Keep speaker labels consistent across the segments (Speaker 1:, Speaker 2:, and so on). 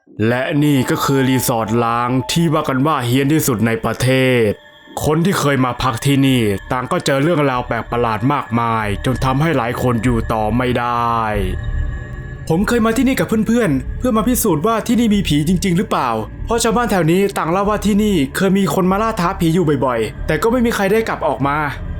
Speaker 1: และนี่ก็คือรีสอร์ทล้างที่ว่ากันว่าเฮี้ยนที่สุดในประเทศ คนที่เคยมาพักที่นี่ต่างก็เจอเรื่องราวแปลกประหลาดมากมายจนทำให้หลายคนอยู่ต่อไม่ได้ ผมเคยมาที่นี่กับเพื่อนๆ เพื่อมาพิสูจน์ว่าที่นี่มีผีจริงๆหรือเปล่า เพราะชาวบ้านแถวนี้ต่างเล่าว่าที่นี่เคยมีคนมาล่าท้าผีอยู่บ่อยๆ แต่ก็ไม่มีใครได้กลับออกมา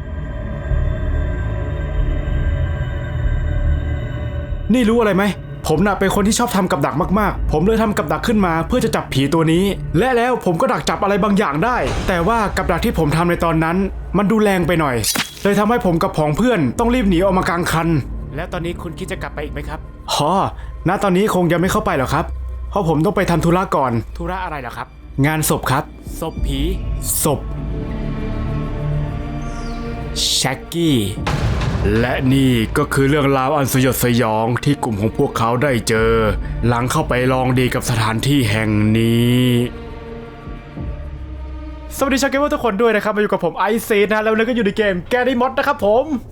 Speaker 1: นี่รู้อะไรไหม ผมน่ะเป็นคนที่ชอบทำกับดักมากๆ ผมเลยทำกับดักขึ้นมาเพื่อจะจับผีตัวนี้ และแล้วผมก็ดักจับอะไรบางอย่างได้ แต่ว่ากับดักที่ผมทำในตอนนั้น มันดูแรงไปหน่อย เลยทำให้ผมกับผองเพื่อนต้องรีบหนีออกมากลางคัน แล้วตอนนี้คุณคิดจะกลับไปอีกไหมครับณตอนนี้คงยังไม่เข้าไปหรอกครับ เพราะผมต้องไปทำธุระก่อน ธุระอะไรเหรอครับ งานศพครับ ศพผี ศพแช็กกี้ และนี่ก็คือเรื่องราวอันสยดสยองที่กลุ่มของพวกเขาได้เจอ หลังเข้าไปลองดีกับสถานที่แห่งนี้ สวัสดีชาวเกมเมอร์ทุกคนด้วยนะครับมาอยู่กับผมไอซีนะแล้วเราก็อยู่ในเกมแกรี่มอดนะครับผม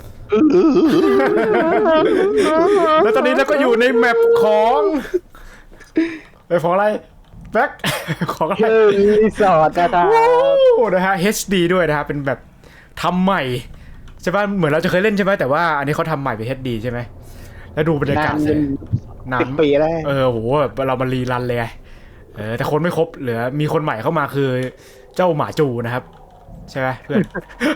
Speaker 1: แล้วตอนนี้เราก็อยู่ในแมปของของอะไรแบ็คของอะไร
Speaker 2: รีสอร์ทนะครับ
Speaker 1: นะฮะ HD ด้วยนะฮะเป็นแบบทำใหม่ใช่ป่ะเหมือนเราจะเคยเล่นใช่ไหมแต่ว่าอันนี้เขาทำใหม่เป็น HD ใช่ไหมแล้วดูบรรยากาศเลย
Speaker 2: 10 ปีแล้ว
Speaker 1: โหเรามารีรันเลยแต่คนไม่ครบเหลือมีคนใหม่เข้ามาคือเจ้าหมาจูนะครับใช่ไหมเพื่อน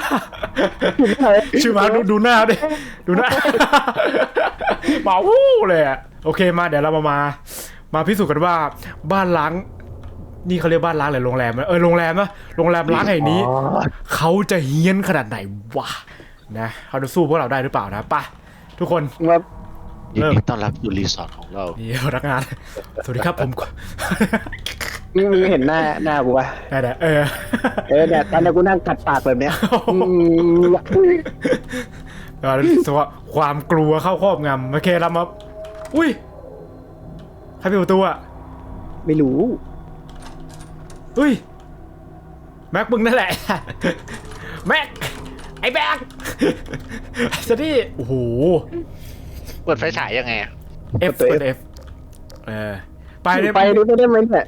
Speaker 1: ชื่อหมาดูหน้าดิดูหน้า หมาวู้เลยอ่ะโอเคมาเดี๋ยวเรามาพิสูจน์กันว่าบ้านล้างนี่เขาเรียกบ้านล้างหรือโรงแรมโรงแรมนะโรงแรมล้างแห่งนี้เขาจะเฮี้ยนขนาดไหนวะนะเขาจะสู้พวกเราได้หรือเปล่านะป่ะทุกคน
Speaker 2: ว่า
Speaker 3: ยินดีต้อนรับสู่รีสอร์ทของเรา
Speaker 1: นี่พนักงานสวัสดีครับผม
Speaker 2: มึงเห็นหน้ากูป่ะ
Speaker 1: ได้
Speaker 2: เนี่ยตอนนี้กูนั่งกัดปากแบบเนี้ย
Speaker 1: รู้สึกว่าความกลัวเข้าครอบงำโอเคเรามาอุ้ยใครปิดประตูอ่ะ
Speaker 2: ไม่รู้
Speaker 1: อุ้ยแม็กมึงนั่นแหละ แม็กไอ้แม็กสวัสดีโอ้โห
Speaker 3: เปิดไฟฉายยังไงอะ
Speaker 1: F เปิด F ไปเลย
Speaker 2: ไปดูไม่ได้ไหมเนี่ย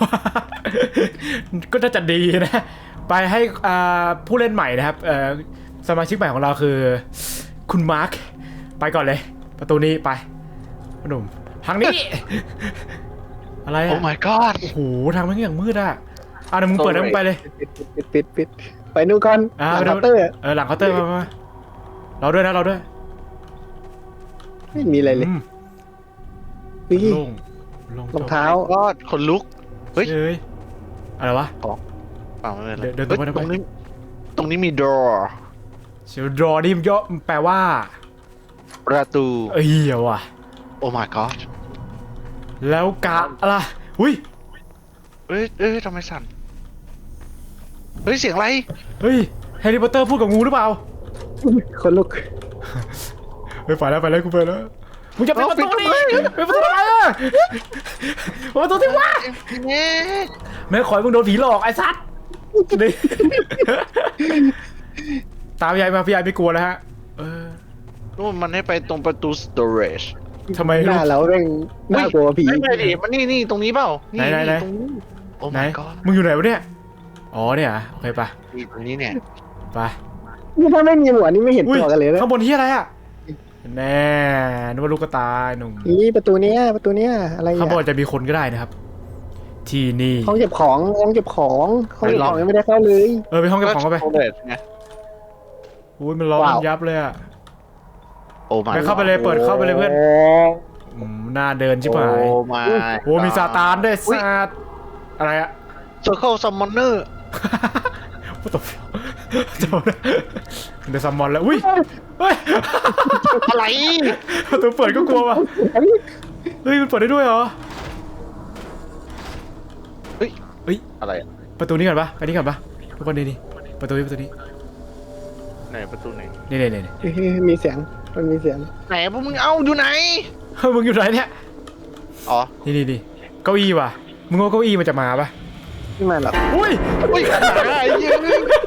Speaker 1: ก็น่าจะดีนะ ไปให้ผู้เล่นใหม่นะครับสมาชิกใหม่ของเราคือคุณมาร์คไปก่อนเลย ประตูนี้ไปพ่อหนุ่มทางนี้ อะไร
Speaker 3: โอ้
Speaker 1: อ่ะ
Speaker 3: my god
Speaker 1: โอ้โหทางมันอย่างมืดอ่ะเดี๋ยวมึงเปิดแล้วมึงไปเลย
Speaker 2: ปิดไปนู่นก่อนหลังเคาน์เตอร์
Speaker 1: หลังเคาน์เตอร์มาเราด้วยนะเราด้วย
Speaker 2: ไม่มีอะไรเลยนี่
Speaker 1: ลง
Speaker 2: รองเท้า
Speaker 3: ก็คนลุก เฮ้ย
Speaker 1: เฮ้ยอะไรวะ
Speaker 3: เปล่าไม่เป็นไร
Speaker 1: เดินตรงไป
Speaker 3: ตรงนี้มี door
Speaker 1: เชียวดรอนี่มันย่อแปลว่า
Speaker 3: ประตู
Speaker 1: เดี๋ยวว่ะ
Speaker 3: โอ้ my god
Speaker 1: แล้วกะอะไรอุ้ย
Speaker 3: เอ้ยทำไมสั่น เฮ้ย เสียงอะไร
Speaker 1: เฮ้ยแฮร์รี่พอตเตอร์พูดกับงูหรือเปล่า
Speaker 2: คนลุก
Speaker 1: ไปแล้วกูไปแล้วมึงจะปิดประตูดิปิดประตูทำไมเปิดประตูที่ว่าแม่ขอยมึงโดนผีหลอกไอ้สัตว์นี่ตามพี่ใหญ่มาพี่ใหญ่ไม่กลัวแล้วฮะ
Speaker 3: นู่นมันให้ไปตรงประตู storage
Speaker 1: ทำไม
Speaker 2: หน้าเราเร่งน่ากลัวผี
Speaker 3: ไม่ดิมันนี่ตรงนี้เปล่า
Speaker 1: ไหน
Speaker 3: ตรงนี้โอ้
Speaker 1: ไหน
Speaker 3: my god
Speaker 1: มึงอยู่ไหนวะเนี่ยอ๋อเนี่ยโอเคปะ
Speaker 3: ตรงนี้เนี่ย
Speaker 1: ไป
Speaker 2: นี่ถ้าไม่มีหัวนี่ไม่เห็นตัวกันเลยนะ
Speaker 1: ข้างบนที่อะไรอ่ะแน่นึกว่าลูกกระตายหนุ่ม
Speaker 2: นี่ประตูเนี้ยอะไร
Speaker 1: ข้างบน
Speaker 2: อ่ะ
Speaker 1: จะมีคนก็ได้นะครับ ที่นี่
Speaker 2: ห้องเก็บของยังไม่ได้เข้าเลย
Speaker 1: ไปห้องเก็บของเข้าไป
Speaker 3: storage ไง
Speaker 1: อุ้ยมันร้อนมันยับเลยอ่ะ
Speaker 3: โอ้ my
Speaker 1: ไปเข้าไปเลยเปิดเข้าไปเลยเพื่อนหน้าเดินชิบหาย
Speaker 3: โอ้ my
Speaker 1: โอ้มีซาตานด้วยซาตอะไรอะ
Speaker 3: circle summoner
Speaker 1: what the fuck เดี๋ยวซัมมอนแล้วอุ้ยเฮ้ย
Speaker 3: อะไร
Speaker 1: ประตูเปิดก็กลัวว่ะเฮ้ยมันเปิดได้ด้วยเหรอ
Speaker 3: เฮ้ย
Speaker 1: เฮ้ย
Speaker 3: อะไรอะ
Speaker 1: ประตูนี้ก่อนปะไปนี่ก่อนปะทุกคนนี่ประตูนี้
Speaker 3: ไหนประตูไหน
Speaker 1: นี่
Speaker 2: มีเสียงมันมีเสียง
Speaker 3: ไหนพวกมึงเอาอยู่ไหน
Speaker 1: เฮ้ยมึงอยู่ไหนเนี่ย
Speaker 3: อ๋อ
Speaker 1: นี่เก้าอี้ว่ะมึงว่าเก้าอี้มันจะมาปะ
Speaker 2: ไม่มาหรอก
Speaker 1: อุ้ย
Speaker 3: อุ้ยไอ้ยืน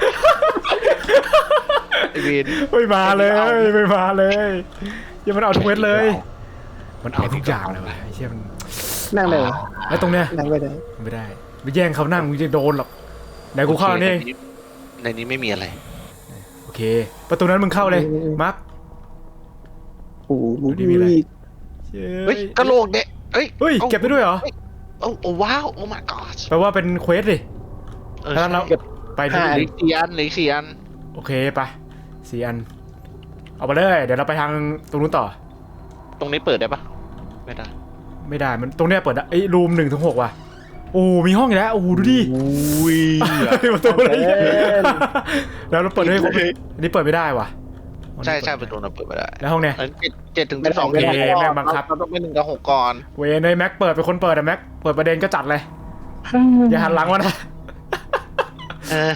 Speaker 3: ไอ้เวน
Speaker 1: ไม่มาเลยยังมันเอาทุกเม็ดเลย มันเอาทุกอย่างเลยว่ะไอ้เชี่ยมัน
Speaker 2: นั่งเลยเหรอ
Speaker 1: แล้วตรงเนี้ย
Speaker 2: นั่งไม่ได้
Speaker 1: ไม่ได้ไปแย่งเขานั่งมึงจะโดนหรอกไหนกูเข้านี่
Speaker 3: ในนี้ไม่มีอะไร
Speaker 1: โอเค ประตูนั้นมึงเข้าเลยมาร์ค
Speaker 2: โอ้โห
Speaker 1: ดูดิมีอะไร
Speaker 3: เฮ้ยกระโหลกเด็กเฮ้ย
Speaker 1: เฮ้ยเก็บได้ด้วยเหรอ
Speaker 3: โอ้ว้าวโอ้ my god
Speaker 1: แปลว่าเป็นเควสดิ
Speaker 3: เออ
Speaker 1: ถ้างั้นเราไปที่
Speaker 3: เหลืออก4 อันเหลืออก4 อัน
Speaker 1: โอเคไป4 อันเอาไปเลยเดี๋ยวเราไปทางตรงนู้นต่อ
Speaker 3: ตรงนี้เปิดได้ปะไม่ได้
Speaker 1: ไม่ได้มันตรงเนี้ยเปิดได้ไอ้รูม1 ถึง 6ว่ะโอ้มีห้องอีกแล้วโอ้ดูดิ
Speaker 3: อุ้ย
Speaker 1: ประตูอะไรเนี่ยแล้วเราเปิดให้ครบอันนี้เปิดไม่ได้ว่ะ
Speaker 3: ใช่ใช่ประตูเราเปิดไม่ได้
Speaker 1: แล้วห้องเนี้ย
Speaker 3: อัน7 ถึง 12
Speaker 1: โอเคแม่งบังคับ
Speaker 3: เราต้องไป1 กับ 6ก่อน
Speaker 1: เวนในแม็กเปิดเป็นคนเปิดอะแม็กเปิดประเด็นก็จัดเลยอย่าหันหลังมานะ
Speaker 3: เออ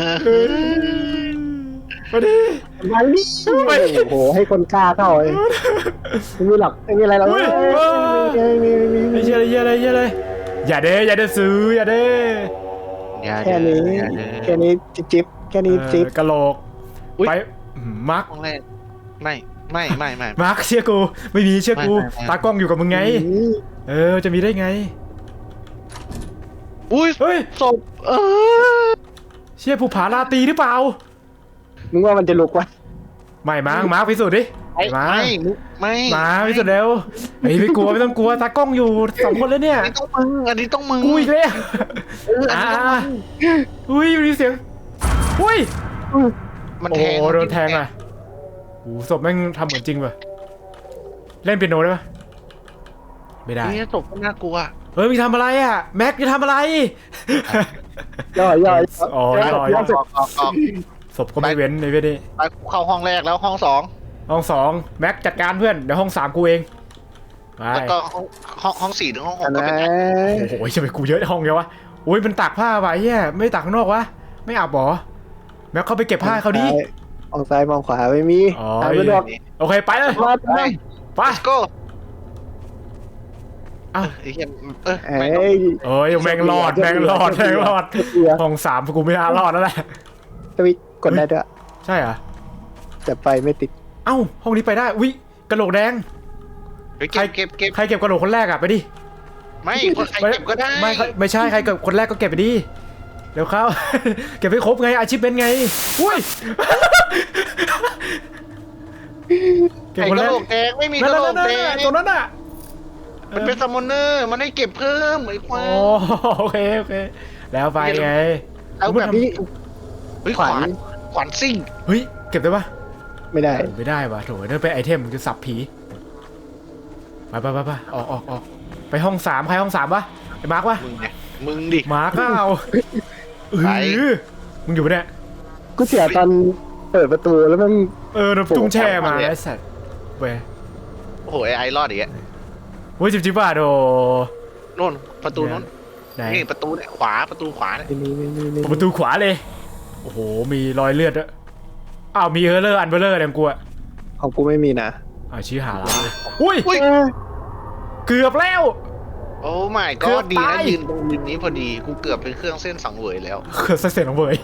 Speaker 1: มาดิ
Speaker 2: มาดิโอ้โหให้คนกล้าเข้าเลยไม่มีหรอกไม่มีอะไรหรอก
Speaker 1: เฮ้ย ไม่ใช่อะไรเยอะเลยเยอะเลยอย่าเด้อย่าเด้ซื้ออย่าเด้
Speaker 3: อย่า
Speaker 2: แค่นี้
Speaker 3: อย่าเด้อ
Speaker 2: แค่นี้จิ๊บแค่นี้จิ๊บ
Speaker 1: กะโหลก
Speaker 3: อุ๊ย
Speaker 1: ไปมาร์ค
Speaker 3: ห้องแรกไม่
Speaker 1: มาร์คเชื่อกูไม่มีเชื่อกู
Speaker 3: ไม่
Speaker 1: ตากล้องอยู่กับมึงไงจะมีได้ไง
Speaker 3: อุ้ย
Speaker 1: เฮ้ย
Speaker 3: ศพ
Speaker 1: เชี่ยผู้ผาลาตีหรือเปล่า
Speaker 2: มึงว่ามันจะลุกวะ
Speaker 1: ไม่มาร์คพิสูจน์ดิ มา
Speaker 3: ไม่
Speaker 1: มาพิสูจน์เร็วเฮ้ยไม่กลัวไม่ต้องกลัวตากล้องอยู่2 คนแล้วเนี่ย
Speaker 3: อันนี้ต้องมึง
Speaker 1: กูอีกแล้ว
Speaker 3: อันนี้ต้องมึง
Speaker 1: อุ้ยมีเสียงอุ้ย
Speaker 3: มัน
Speaker 1: โอ้
Speaker 3: แทง
Speaker 1: โดนแทงอ่ะโอ้ศพแม่งทำเหมือนจริงป่ะเล่นเปียโนได้ปะไม่ได้
Speaker 3: นี่ศพก็น่ากลัว
Speaker 1: เฮ้ยมึงทำอะไรอ่ะแม็กจะทำอะไร
Speaker 2: ย่อ
Speaker 1: อ๋อย่อ
Speaker 3: ออก
Speaker 1: ศพก็ไม่เว้นในเว้นนี่
Speaker 3: ไปเข้าห้องแรกแล้วห้อง2
Speaker 1: ห้อง2แม็กจัดการเพื่อนเดี๋ยวห้อง3กูเองไป
Speaker 3: แล้วก็ห้อง4 ถึงห้อง 6
Speaker 2: อัน
Speaker 3: ก็
Speaker 2: นั้
Speaker 3: เป็น
Speaker 2: น
Speaker 1: โอ้โหจะไปกูเยอะห้องเดียววะโอ้ยมันตากผ้าไว้เฮียไม่ตากข้างนอกวะไม่อาบหรอแม็กเข้าไปเก็บผ้าให้เขาดิ
Speaker 2: มองซ้ายมองขวาไม่มี
Speaker 1: อ๋อ
Speaker 2: หาไม่ดอก
Speaker 1: โอเคไปเลย
Speaker 2: มา
Speaker 3: ไป
Speaker 1: ไป
Speaker 3: let's go
Speaker 1: เอ้า
Speaker 3: ไอ้เหี้ย
Speaker 2: เอ้
Speaker 3: ไม่ต้อง
Speaker 2: ย
Speaker 1: เอ้ยแม่งรอดห้อง3กูไม่น่ารอดแล้วแหละ
Speaker 2: ทวิตกดได้ด้วย
Speaker 1: ใช่เหรอ
Speaker 2: แต่ไปไม่ติด
Speaker 1: เอ้าห้องนี้ไปได้อุ้ยกระโหลกแดง
Speaker 3: เฮ้ยเก็บ
Speaker 1: ใครเก็บกระโหลกคนแรกอะไปดิ
Speaker 3: ไม่คนใครเก็บก็ได้
Speaker 1: ไม่ใช่ใครเก็บคนแรกก็เก็บไปดิเดี๋ยวเขา เก็บให้ครบไงอาชีพเป็นไงอุ้ย เก็บ
Speaker 3: ไอ้
Speaker 1: คน
Speaker 3: ก
Speaker 1: แร
Speaker 3: ระ
Speaker 1: ก
Speaker 3: โหลกแดงไม่มี
Speaker 1: นั่
Speaker 3: ก
Speaker 1: น
Speaker 3: ระโหล
Speaker 1: นั่
Speaker 3: ก
Speaker 1: น
Speaker 3: แดง
Speaker 1: ตรงนั้นอ่ะ
Speaker 3: มันเป็นซัมมอนเนอร์มันให้เก็บเพิ่มไอ้ควา
Speaker 1: โอ้
Speaker 3: ย
Speaker 1: โอเคแล้วไปไง
Speaker 3: เอาแบบ
Speaker 2: นี่
Speaker 3: เฮ้ยขวานซิ่ง
Speaker 1: เฮ้ยเก็บได้ปะ
Speaker 2: ไม่ได้
Speaker 1: ไม่ได้ว่ะโถนั่นเป็นไอเทมมันจะสับผีไปออกไปห้อง3ใครห้อง3ปะไอ้มาร์กปะ
Speaker 3: มึงดิ
Speaker 1: มาร์กเปล่า
Speaker 3: ไป
Speaker 1: มึงอยู่ปะเนี่ย
Speaker 2: กูเสียตอนเปิดประตูแล้วมัน
Speaker 1: น้ำตุ้งแช่มาไอ้สัตว์เว้ย
Speaker 3: โอ้โหไอ้รอดอีกอ่ะ
Speaker 1: เว้ยจิ๊บป่ะโด
Speaker 3: โน่นประตูโน่น
Speaker 1: ไหน
Speaker 3: นี่ประตูเนี่ยประตูขวาเนี่ย
Speaker 2: นี่
Speaker 1: ประตูขวาเลยโอ้โหมีรอยเลือดด้วยอ้าวมีเออร์เลอร์อันเบลเลอร์เนี่ยกูอะ
Speaker 2: ของกูไม่มีนะ
Speaker 1: ชี้หาละอุ้ย
Speaker 3: อุ้ย
Speaker 1: เกือบแล้ว
Speaker 3: โอ้ไม่
Speaker 1: เกื
Speaker 3: ก็
Speaker 1: อบ
Speaker 3: ดี
Speaker 1: ตา
Speaker 3: นะ
Speaker 1: ย
Speaker 3: ยืนตรงริมนี้พอดีกูเกือบเป็นเครื่องเส้นสังเวยแล้ว
Speaker 1: เกือบเสียงของเบย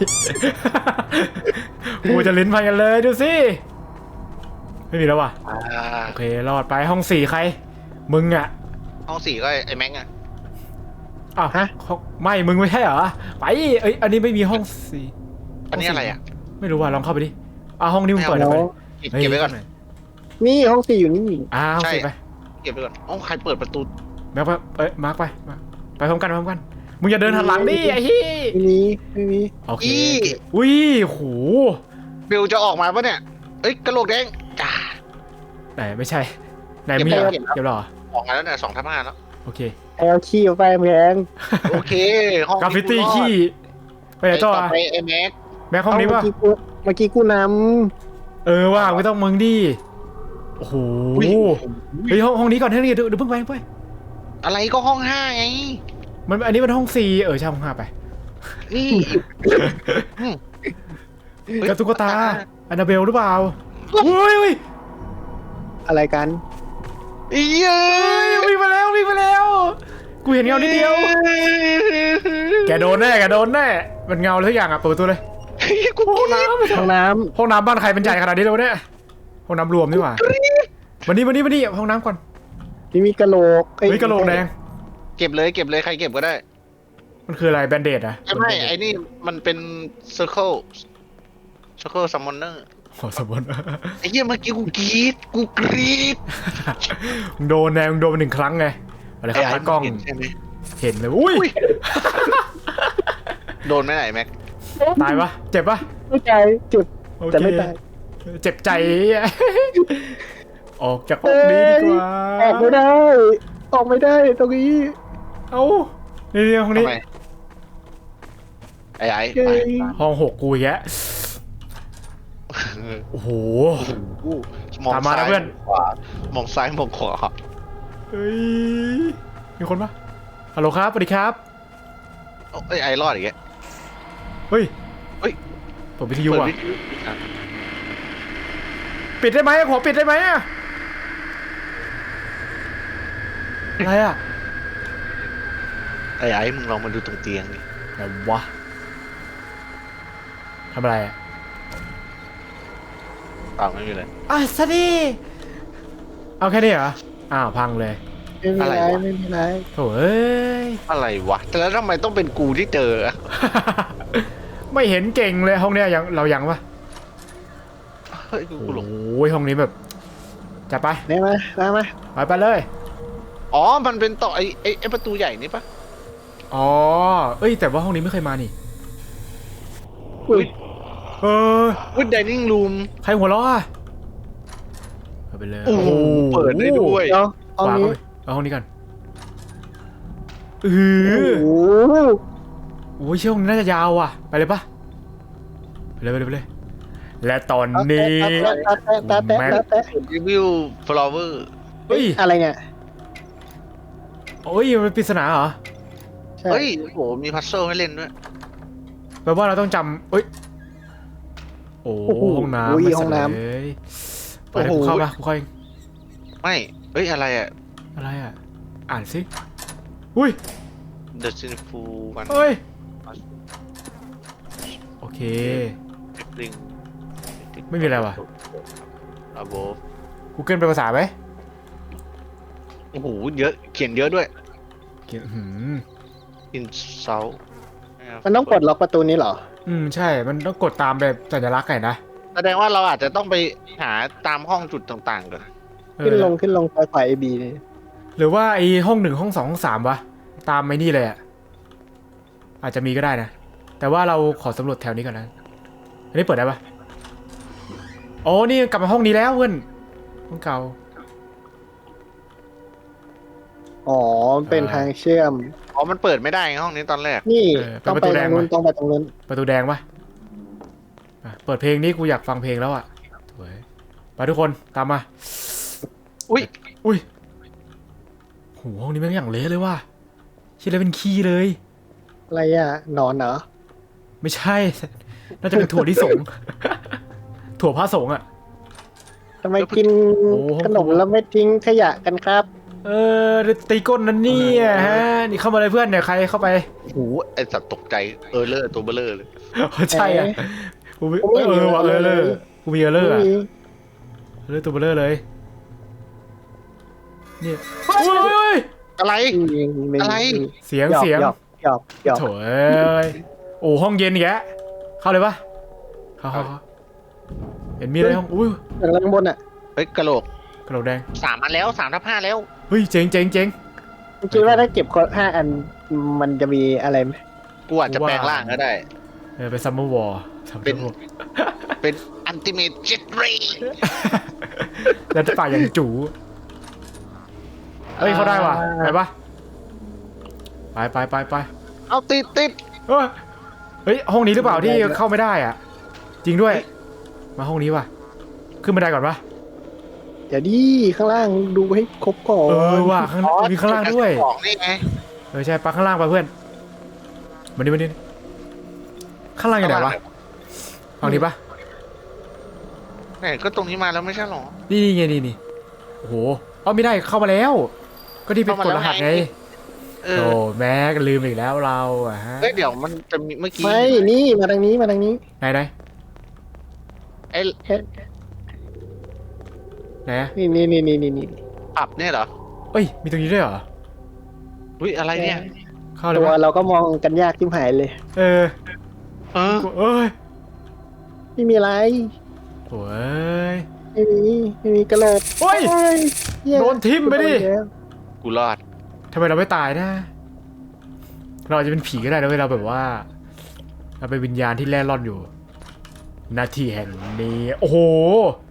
Speaker 1: กูจะลิ้นพันกันเลยดูสิไม่มีแล้วว่ะโอเครอดไปห้อง4ใครมึงอะ
Speaker 3: ห้อง4ก็ไอ้แม็กอะ
Speaker 1: อ้าวไม่มึงไม่ใช่เหรอไปเอ้ยอันนี้ไม่มีห้อง4
Speaker 3: อันนี้อะไรอ่ะ
Speaker 1: ไม่รู้ว่ะลองเข้าไปดิห้องนี้มึงเปิดได้ไหม
Speaker 3: เก็บไว้ก่อน
Speaker 2: นี่ห้อง4อยู่นี่
Speaker 1: ห้อง
Speaker 3: ใช่
Speaker 1: 4ไป
Speaker 3: เก็บไว้ก่อนอ๋อใครเปิดประตู
Speaker 1: แม็กไปมาร์กไปไปพร้อมกันมึงอย่าเดินหันหลังดิไอ้ฮี่
Speaker 2: ไม่มี
Speaker 1: โอเคอุ้ยโห
Speaker 3: บิลจะออกมาปะเนี่ยเอ้ยกระโหลกแดงจ้า
Speaker 1: ไหนไม่ใช่ไหนมีเก็บหรอ
Speaker 3: ออกมาแล้วเนี่ย2/5แล้ว
Speaker 1: โอเค
Speaker 2: แอลขี้ไปแพง
Speaker 3: โอเคห้อง
Speaker 1: กราฟฟิตี้ขี้ไปไหนต่อ
Speaker 3: ไปไอ้แม็ก
Speaker 1: แม็กห้องนี้ป่ะ
Speaker 2: เมื่อกี้กูน
Speaker 1: ว่าไม่ต้องมึงดิโอ้โหเฮ้ยห้องนี้ก่อนเท่านี้เดี๋ยวเพิ่งไป
Speaker 3: อะไรก็ห้อง5ไง
Speaker 1: มันอันนี้มันห้อง4ใช่ห้อง5ไป
Speaker 3: นี่
Speaker 1: กระตุ๊กตาอันนาเบลหรือเปล่าเฮ้ย
Speaker 2: ำอะไรกัน
Speaker 3: เย้ย
Speaker 1: วิ่งมาแล้วกูเห็นเงานิดเดียวแกโดนแน่มันเงาเลยทุกอย่างอ่ะเปิดประตูเลย
Speaker 3: กู
Speaker 1: ห้องน้
Speaker 2: ห้องน้
Speaker 1: ำบ้านใครเป็นใหญ่ขนาดนี้เลยวะเนี่ยห้องน้ำรวมนี่หว่ามานี่ห้องน้ำก่อน
Speaker 2: ำที่มีกระโหลก
Speaker 1: เฮ้ยกระโหลกแดง
Speaker 3: เก็บเลยใครเก็บก็ได้
Speaker 1: มันคืออะไรแบนเดดอะ
Speaker 3: ไม่ไอ้นี่มันเป็น circle summoner
Speaker 1: ขอสมบูรณ์
Speaker 3: ไอ้เหี้ยเมื่อกี้กูกรี๊ด
Speaker 1: มึงโดนแนงโดนมา1 ครั้งไงอะไรครับตากล้อง
Speaker 3: เห็นใช่ไหม
Speaker 1: เห็นเลยอุ้ย
Speaker 3: โดนไม่ไหนแม็ก
Speaker 1: ตายปะเจ็บปะ
Speaker 2: ไม่ใจเจ็บ
Speaker 1: โอเค
Speaker 2: แต่ไม่ตาย
Speaker 1: เจ็บใจ ออกจากห้องนี้ดีกว่า
Speaker 2: ออกไม่ได้ออกไม่ได้ตรงนี้
Speaker 1: เอ้านี่ห้องนี้
Speaker 3: ทำไมไอ้
Speaker 2: เย้
Speaker 3: ไป
Speaker 1: ห้อง6กูอีกแล้วโอ้โห
Speaker 3: มอง
Speaker 1: ตามมานะ
Speaker 3: ซ้าย
Speaker 1: เพื่อน
Speaker 3: มองขวามองซ้ายมองขวา
Speaker 1: เฮ้ยมีคนปะฮัลโหลครับสวัสดีครับ
Speaker 3: เอ้ยไอ้รอดอีกแก
Speaker 1: เฮ้ย
Speaker 3: เฮ้ย
Speaker 1: เปิดวิทยุ
Speaker 3: เปิด
Speaker 1: อ่ะ
Speaker 3: วิทยุอ่ะ
Speaker 1: ปิดได้ไหมขอปิดได้ไหมอะอะไรอ่ะ
Speaker 3: ไอ้มึงลองมาดูตรงเตียงดิ
Speaker 1: ไหนวะทำอะไรอ่ะ
Speaker 3: เปล่าไม่มีเลย
Speaker 1: อ่ะสวัสดีเอาแค่นี้เหรออ้าวพังเลย
Speaker 2: ไม่มีไรไม่มีไร
Speaker 1: โถ่เอ้ย
Speaker 3: อะไรวะแต่แล้วทำไมต้องเป็นกูที่เจออะ
Speaker 1: ไม่เห็นเก่งเลยห้องเนี้ยยังเรายังปะ
Speaker 3: เฮ้ยกูหลง
Speaker 1: โอ้ยห้องนี้แบบจัดไป
Speaker 2: ได้ไหมได้ไหม
Speaker 1: ไปเลย
Speaker 3: อ๋อมันเป็นต่อไอ้ประตูใหญ่นี่ปะ
Speaker 1: อ๋อเอ้ยแต่ว่าห้องนี้ไม่เคยมานี่
Speaker 2: อุ้ย
Speaker 1: เออ
Speaker 3: วิดดิเนิ่งรูม
Speaker 1: ใครหัวเราะอ่ะเอาไปเลย
Speaker 3: โอ้โหเปิดได้ด้วย
Speaker 2: เดี๋ยวห้อง
Speaker 1: วาง
Speaker 2: นี้
Speaker 1: เอาห้องนี้ก่อนเอ
Speaker 2: โอ้
Speaker 1: อ
Speaker 2: โห
Speaker 1: โอ้ยเชื่อห้องนี้น่าจะยาวอ่ะไปเลยปะไปเลย และตอนนี้
Speaker 2: แตะ
Speaker 3: รีวิวฟลาวเวอร์
Speaker 1: เฮ้ย
Speaker 2: อะไรเนี่ย
Speaker 1: โอ้ยมันปริศนาเหรอ
Speaker 2: ใช่
Speaker 3: เฮ้ยโอ้โหมีพัซเซิลให้เล่นด้วย
Speaker 1: แปลว่าเราต้องจำเอ้ยโอ้ห้องน้ำ
Speaker 2: อุ้ย
Speaker 1: ไม่
Speaker 2: ห้องน้ำ
Speaker 1: เลยไปเดี๋ยวกูเข้ามากูเข้าเอง
Speaker 3: ไม่เฮ้ยอะไรอะ
Speaker 1: อะไรอ่ะอ่านสิอุ้ย
Speaker 3: The Sinful One
Speaker 1: เฮ้ยโอเค
Speaker 3: Ring
Speaker 1: ไม่มีอะไรว่ะ
Speaker 3: Above
Speaker 1: Google เป็นภาษาไหม
Speaker 3: โอ้โหเยอะเขียนเยอะด้วย
Speaker 1: เขียน
Speaker 3: In South
Speaker 2: มันต้องปลดล็อกประตูนี้เหรอ
Speaker 1: ใช่มันต้องกดตามแบบสัญลักษณ์ไงนะ
Speaker 3: แสดงว่าเราอาจจะต้องไปหาตามห้องจุดต่างๆก่อน
Speaker 1: เออ
Speaker 2: ขึ้นลงไฟไอบีนี่
Speaker 1: หรือว่าไอห้อง1ห้อง2ห้อง3วะตามไอ้นี่เลยอ่ะอาจจะมีก็ได้นะ แต่ว่าเราขอสำรวจแถวนี้ก่อนนะอันนี้เปิดได้ปะโอ้นี่กลับมาห้องนี้แล้วเพื่อนห้องเก่า
Speaker 2: อ๋อเป็นทางเชื่อม
Speaker 3: อ๋อมันเปิดไม่ได้ไงห้องนี้ตอนแรก
Speaker 2: นี่ต้องไปตรงนู้นต้องไปตรงนู้น
Speaker 1: ประตูแดงปะอ่ะเปิดเพลงนี้กูอยากฟังเพลงแล้วอ่ะสวยไปทุกคนตามมา
Speaker 3: อุ้ย
Speaker 1: อุ้ยโหห้องนี้แม่งอย่างเละเลยว่ะคิดเลยเป็นขี้เลย
Speaker 2: อะไรอ่ะนอนเหรอ
Speaker 1: ไม่ใช่ น่าจะเป็นถั่วที่สงฆ์ ถั่วพระสงฆ์อ่ะ
Speaker 2: ทำไมกิน
Speaker 1: โอ้ห้อง
Speaker 2: ขนมแล้วไม่ทิ้งขยะกันครับ
Speaker 1: เออตีก้นนั่นเนี่ยฮะนี่เข้ามาเลยเพื่อนเนี่ยใครเข้าไป
Speaker 3: โอ้โหไอสัตว์ตกใจเลอร์ตัวเบลเลอร์เลย
Speaker 1: ใช่อ่ะกูมีว่ะเลยกูมีเลอร์อ่ะเลอร์ตัวเบลอเลยเนี่ยโอ้ย
Speaker 3: อะไร อะไร
Speaker 1: เสียง
Speaker 2: หยอก
Speaker 1: โถ่เอ้ยโอ้ห้องเย็นอีกแกเข้าเลยปะเข้าเห็นมีอะไรห้องอุ้ย
Speaker 2: อย่างล่างบนอ่ะ
Speaker 3: เฮ้ยกระโหลก
Speaker 1: กระโหลกแดง
Speaker 3: 3 อันแล้ว3/5แล้ว
Speaker 1: เฮ้ยเจ๋ง
Speaker 2: คิดว่าถ้าเก็บคน5 อันมันจะมีอะไรไหม
Speaker 3: กูอาจจะแปลงร่างก็ได้
Speaker 1: เป็นซัมเมอร์วอร์
Speaker 3: เป็นอันติเมทเจ็ตเรย์
Speaker 1: แล้วจะป่าอย่างจูเฮ้ยเขาได้ว่ะไปปะไป
Speaker 3: เอาติด
Speaker 1: เฮ้ยห้องนี้หรือเปล่าที่เข้าไม่ได้อ่ะจริงด้วยมาห้องนี้ว่ะขึ้นบันไดก่อนปะ
Speaker 2: เดี๋ยวดิข้างล่างดูให้ครบก่อน
Speaker 1: ว่ะมีข้างล่างด้วย
Speaker 3: ของนี่ไง
Speaker 1: ใช่ปะข้างล่างปะเพื่อนมาดิข้างล่างอยู่ไหนวะห้องนี้ปะ
Speaker 3: ไหนก็ตรงนี้มาแล้วไม่ใช่หรอ
Speaker 1: นี่ไงนี่โอ้โหไม่ได้เข้ามาแล้ว ก็ที่เป็นกดรหัสไงโอ้แม็กลืมอีกแล้วเราอะฮะ
Speaker 3: เฮ้ยเดี๋ยวมันจะมีเมื่อกี้
Speaker 2: ไม่นี่มาทางนี้
Speaker 1: ไห
Speaker 2: มา
Speaker 1: น
Speaker 3: ไอ้
Speaker 1: ไหน
Speaker 2: นี่
Speaker 3: ปรับเนี่ยเหรอ
Speaker 1: เอ้ยมีตรงนี้ด้วยเหรอ
Speaker 3: อุ้ยอะไรเนี่ย
Speaker 1: เข้าเลย
Speaker 2: ตัว
Speaker 1: วะ
Speaker 2: เราก็มองกันยากทิ่หายเลย
Speaker 1: เออ
Speaker 3: เออ
Speaker 1: เอ้ย
Speaker 2: ไม่มีอะไร
Speaker 1: โอ้ย
Speaker 2: ไม่มีกระโหลก
Speaker 1: โอ้ย
Speaker 2: เหี้ย
Speaker 1: โดนทิ่มไปดิ
Speaker 3: กูรอด
Speaker 1: ทำไมเราไม่ตายนะ เราอาจจะเป็นผีก็ได้นะเว้ยเราแบบว่า เราเป็นวิญญาณที่แล่ร่อนอยู่หน้าที่แห่งนี้ โอ้โห